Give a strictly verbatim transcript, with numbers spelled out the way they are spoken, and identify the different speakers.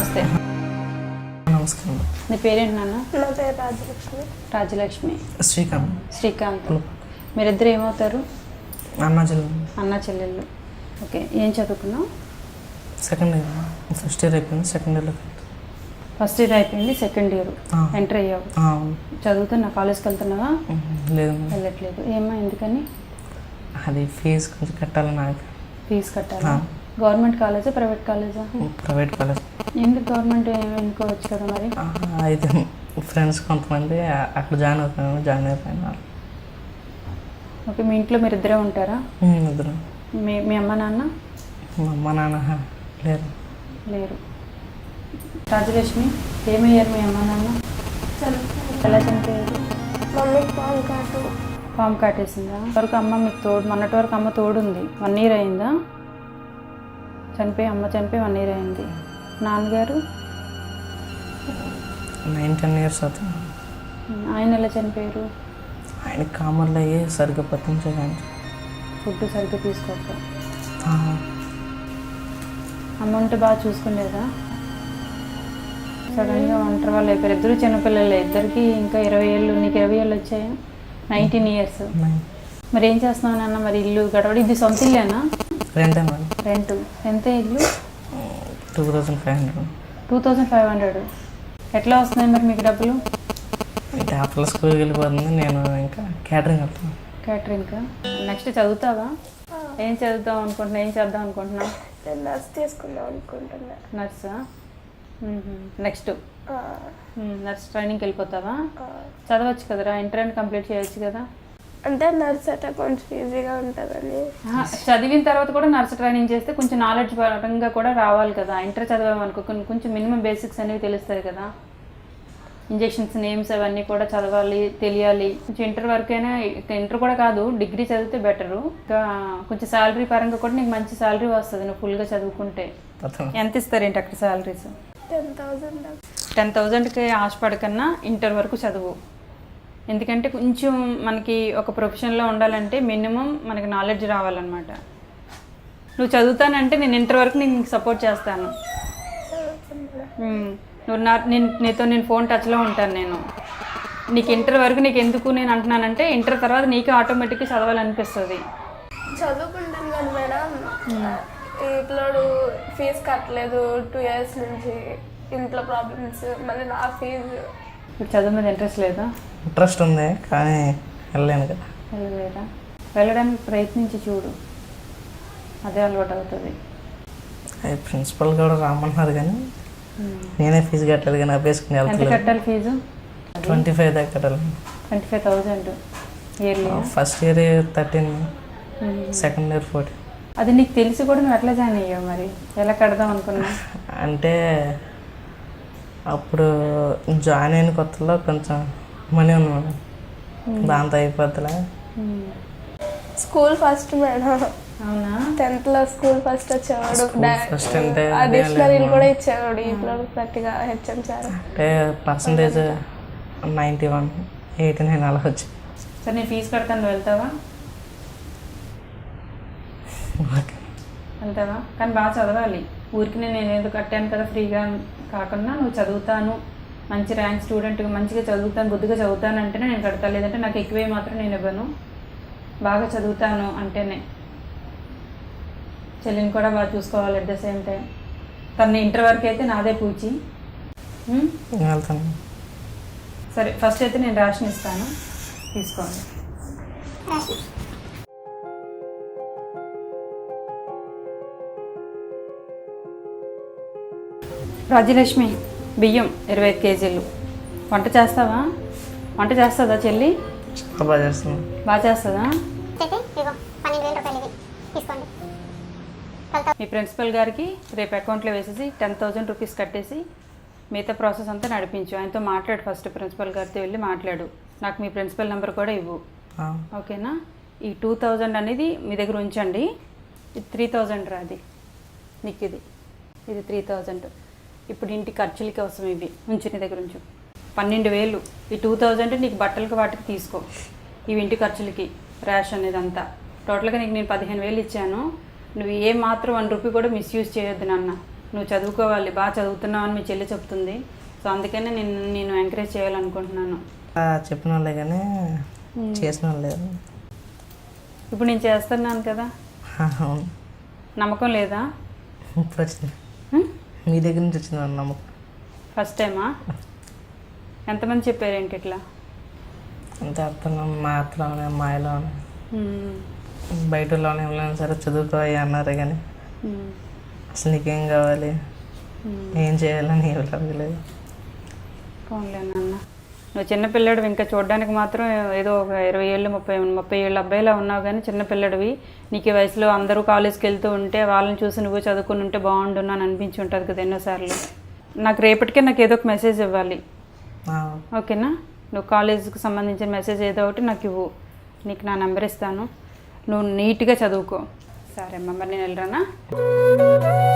Speaker 1: నమస్తే.
Speaker 2: నమస్కారం.
Speaker 1: నీ పేరేంటి నాన్న?
Speaker 3: నా పేరు రాజలక్ష్మి.
Speaker 1: రాజలక్ష్మి.
Speaker 2: శ్రీకాంత్.
Speaker 1: శ్రీకాంత్. మీరిద్దరు ఏమవుతారు?
Speaker 2: అన్నా చెల్లెలు.
Speaker 1: అన్నా చెల్లెళ్ళు. ఓకే, ఏం చదువుకున్నావు?
Speaker 2: Second year. ఫస్ట్ ఇయర్ అయిపోయింది, సెకండ్ ఇయర్లో.
Speaker 1: ఫస్ట్ ఇయర్ అయిపోయింది, సెకండ్ ఇయర్ ఎంటర్ అయ్యావు. చదువుతున్నా, కాలేజ్కి వెళ్తున్నావా?
Speaker 2: లేదు,
Speaker 1: వెళ్ళట్లేదు. ఏమా, ఎందుకని?
Speaker 2: అది ఫీజు కొంచెం కట్టాలి నాకు.
Speaker 1: ఫీజు కట్టాలా? గవర్నమెంట్ కాలేజా, ప్రైవేట్ కాలేజా?
Speaker 2: Private college.
Speaker 1: ఎందుకు గవర్నమెంట్ ఎన్నుకోవచ్చు కదా మరి?
Speaker 2: అయితే ఫ్రెండ్స్ కొంతమంది అక్కడ జాయిన్ అవుతాను, జాయిన్ అయిపోయినా.
Speaker 1: ఓకే, మీ ఇంట్లో మీరు ఇద్దరే ఉంటారా?
Speaker 2: ఇద్దరు.
Speaker 1: మీ మీ అమ్మ నాన్న?
Speaker 2: మా అమ్మ నాన్న లేరు.
Speaker 1: లేరు. రాజలక్ష్మి, ఏమయ్యారు మీ అమ్మ నాన్న? ఎలా చనిపోయారు?
Speaker 3: మమ్మీ పాము కాటు.
Speaker 1: పాము కాటేసిందా? వరకు అమ్మ మీకు తోడు, మొన్నటి వరకు అమ్మ తోడుంది. వన్ ఇయర్ అయిందా చనిపోయి? అమ్మ చనిపోయి వన్ ఇయర్ అయింది. నాన్నగారు?
Speaker 2: నైన్ టెన్ ఇయర్స్ అవుతుంది.
Speaker 1: ఆయన ఎలా చనిపోయారు?
Speaker 2: ఆయన కామర్లు అయ్యి సరిగ్గా పట్టించగాని
Speaker 1: ఫుడ్ సరిగ్గా తీసుకోక. అమ్మ ఉంటే బాగా చూసుకునేదా? సడన్గా ఒంటరి వాళ్ళు అయిపోయారు. ఇద్దరు చిన్నపిల్లలే, ఇద్దరికి ఇంకా ఇరవై ఏళ్ళు. నీకు ఇరవై ఏళ్ళు వచ్చాయా? Nineteen years. మరి ఏం చేస్తున్నావు నాన్న? మరి ఇల్లు గడవడి, ఇది సొంత ఇల్లేనా?
Speaker 2: రెంట్.
Speaker 1: రెంట్ ఎంత? ఇల్లు
Speaker 2: two thousand five hundred.
Speaker 1: Two thousand five hundred ఎట్లా వస్తున్నాయి మరి మీకు డబ్బులు?
Speaker 2: అంటే ఆఫ్టర్ స్కూల్కి వెళ్ళిపోతుంది, నేను ఇంకా క్యాటరింగ్ వెళ్తాను.
Speaker 1: క్యాటరింగ్. నెక్స్ట్ చదువుతావా? ఏం చదువుతావు అనుకుంటున్నా? ఏం చేద్దాం అనుకుంటున్నావు?
Speaker 3: నేను నర్స్ తీసుకుందాం అనుకుంటున్నా.
Speaker 1: నర్సా? నెక్స్ట్ నర్స్ ట్రైనింగ్కి వెళ్ళిపోతావా? చదవచ్చు కదరా, ఇంటర్ కంప్లీట్ చేయొచ్చు కదా.
Speaker 3: అంటే నర్స్ అంటే కొంచెం ఈజీగా ఉంటుందని.
Speaker 1: చదివిన తర్వాత కూడా నర్స్ ట్రైనింగ్ చేస్తే కొంచెం నాలెడ్జ్ పరంగా కూడా రావాలి కదా. ఇంటర్ చదివామనుకో కొంచెం మినిమం బేసిక్స్ అనేవి తెలుస్తాయి కదా. ఇంజెక్షన్స్ నేమ్స్ అవన్నీ కూడా చదవాలి, తెలియాలి. కొంచెం ఇంటర్ వరకైనా, ఇంటర్ కూడా కాదు, డిగ్రీ చదివితే బెటరు. ఇంకా కొంచెం శాలరీ పరంగా కూడా నీకు మంచి శాలరీ వస్తుంది నువ్వు ఫుల్గా చదువుకుంటే. ఎంత ఇస్తారేంటి అక్కడ శాలరీస్?
Speaker 3: Ten thousand.
Speaker 1: టెన్ థౌజండ్కి ఆశపడకన్నా ఇంటర్ వరకు చదువు. ఎందుకంటే కొంచెం మనకి ఒక ప్రొఫెషన్లో ఉండాలంటే మినిమం మనకి నాలెడ్జ్ రావాలన్నమాట. నువ్వు చదువుతానంటే నేను ఇంటర్ వరకు నీకు సపోర్ట్ చేస్తాను. నువ్వు నా నేను నీతో నేను ఫోన్ టచ్లో ఉంటాను. నేను నీకు ఇంటర్ వరకు నీకు ఎందుకు నేను అంటున్నానంటే ఇంటర్ తర్వాత నీకు ఆటోమేటిక్గా చదవాలనిపిస్తుంది.
Speaker 3: చదువుకుంటాను కానీ మేడం, ఇంట్లో ఫీజు కట్టలేదు టూ ఇయర్స్ నుంచి. ఇంట్లో ప్రాబ్లమ్స్, మళ్ళీ నా ఫీజు.
Speaker 1: ఇప్పుడు చదువు మీద ఇంట్రెస్ట్ లేదా?
Speaker 2: ఇంట్రెస్ట్ ఉంది కానీ వెళ్ళలేను కదా.
Speaker 1: వెళ్ళలేదా? వెళ్ళడానికి ప్రయత్నించి చూడు, అదే అలవాటు అవుతుంది.
Speaker 2: అది ప్రిన్సిపల్ కూడా రామన్నారు కానీ నేనే ఫీజు కట్టాలి కానీ అభ్యసుకుని
Speaker 1: ఎంత
Speaker 2: వెళ్తాను.
Speaker 1: కట్టాలి ఫీజు?
Speaker 2: ట్వంటీ ఫైవ్ దాకా కట్టాలి.
Speaker 1: Twenty five thousand yearly.
Speaker 2: First year thirteen, second year fourteen.
Speaker 1: అది నీకు తెలిసి కూడా నువ్వు ఎట్లా జాయిన్ అయ్యావు? మరి ఎలా కడదాం అనుకున్నా?
Speaker 2: అంటే అప్పుడు జాయిన్ అయిన కొత్తలో కొంచెం మనీ ఉన్నాను, దాంతో అయిపోద్దిలే.
Speaker 3: School first madam.
Speaker 1: అవునా?
Speaker 3: టెన్త్లో స్కూల్ ఫస్ట్ వచ్చేవాడు.
Speaker 2: ఫస్ట్ అంటే
Speaker 3: డిక్షనరీలు కూడా ఇచ్చేవాడు ఇంట్లో గట్టిగా హెచ్ఎం సార్.
Speaker 2: అంటే percentage ninety one eighty nine అలా వచ్చి.
Speaker 1: సరే, నేను ఫీజు కడతాను, నువ్వు వెళ్తావా? వెళ్తావా? కానీ బాగా చదవాలి. ఊరికి నేను ఏదో కట్టాను కదా ఫ్రీగా కాకుండా నువ్వు చదువుతాను, మంచి ర్యాంక్ స్టూడెంట్గా మంచిగా చదువుతాను, బుద్ధిగా చదువుతాను అంటేనే నేను కడతాను. లేదంటే నాకు ఎక్కువే మాత్రం నేను ఇవ్వను. బాగా చదువుతాను అంటేనే. చెల్లిని కూడా బాగా చూసుకోవాలి అట్ ద సేమ్ టైం. తను ఇంటర్ వరకు అయితే నాదే పూచి.
Speaker 2: వెళ్తాను.
Speaker 1: సరే, ఫస్ట్ అయితే నేను రేషన్ ఇస్తాను, తీసుకోండి. రాజ్యలక్ష్మి, బియ్యం ఇరవై ఐదు కేజీలు. వంట చేస్తావా? వంట చేస్తుందా చెల్లి?
Speaker 2: బాగా చేస్తాను.
Speaker 1: బాగా చేస్తుందా? మీ ప్రిన్సిపల్ గారికి రేపు అకౌంట్లో వేసేసి టెన్ థౌజండ్ రూపీస్ కట్టేసి మిగతా ప్రాసెస్ అంతా నడిపించు. ఆయనతో మాట్లాడు ఫస్ట్. ప్రిన్సిపల్ గారితో వెళ్ళి మాట్లాడు. నాకు మీ ప్రిన్సిపల్ నెంబర్ కూడా ఇవ్వు, ఓకేనా? ఈ టూ థౌజండ్ అనేది మీ దగ్గర ఉంచండి. ఇది త్రీ థౌజండ్ రాది నీకు. ఇది ఇది త్రీ థౌజండ్ ఇప్పుడు ఇంటి ఖర్చులకి అవసరం. ఇవి ఉంచు, నీ దగ్గర ఉంచు. పన్నెండు వేలు. ఈ టూ థౌజండ్ నీకు బట్టలకి వాటికి తీసుకో. ఇవి ఇంటి ఖర్చులకి, రేషన్ ఇదంతా టోటల్గా నీకు నేను పదిహేను వేలు ఇచ్చాను. నువ్వు ఏ మాత్రం వన్ రూపీ కూడా మిస్యూజ్ చేయొద్దు నాన్న. నువ్వు చదువుకోవాలి, బాగా చదువుతున్నావు అని మీ చెల్లి చెప్తుంది. సో అందుకనే నేను నేను ఎంకరేజ్ చేయాలనుకుంటున్నాను.
Speaker 2: ఆ, చెప్పిన వాళ్ళే కానీ చేసిన వాళ్ళు లేదు.
Speaker 1: ఇప్పుడు నేను చేస్తున్నాను కదా,
Speaker 2: అవును,
Speaker 1: నమ్మకం లేదా?
Speaker 2: ఇప్పుడు వచ్చింది
Speaker 1: హ్మ్?
Speaker 2: మీ దగ్గర నుంచి వచ్చింది అన్న నమ్మకం.
Speaker 1: ఫస్ట్ టైమా? ఎంతమంది చెప్పారేంటి ఇట్లా?
Speaker 2: అంతే అత్తలో మా అత్తలోనే అమ్మాయిలోనే
Speaker 1: హ్మ్.
Speaker 2: బయటలోనే ఎవరైనా సరే చదువుకోవాలి అన్నారు కానీ
Speaker 1: హ్మ్.
Speaker 2: అసలు నీకేం కావాలి,
Speaker 1: హ్మ్.
Speaker 2: ఏం చేయాలని ఎవరు అడగలేదు.
Speaker 1: పోన్లే నాన్న, నువ్వు చిన్నపిల్లడివి, ఇంకా చూడడానికి మాత్రం ఏదో ఒక ఇరవై ఏళ్ళు ముప్పై ముప్పై ఏళ్ళు అబ్బాయిలా ఉన్నావు, కానీ చిన్నపిల్లడివి. నీకు ఈ వయసులో అందరూ కాలేజ్కి వెళ్తూ ఉంటే వాళ్ళని చూసి నువ్వు చదువుకుని ఉంటే బాగుండును అని అనిపించి ఉంటుంది కదా ఎన్నోసార్లు. నాకు రేపటికే నాకు ఏదో ఒక మెసేజ్ ఇవ్వాలి,
Speaker 2: ఆ,
Speaker 1: ఓకేనా? నువ్వు కాలేజీకి సంబంధించిన మెసేజ్ ఏదో ఒకటి నాకు ఇవ్వు, నీకు నా నెంబర్ ఇస్తాను, నువ్వు నీట్గా చదువుకో. సరే అమ్మ, మరి నేను వెళ్ళరానా?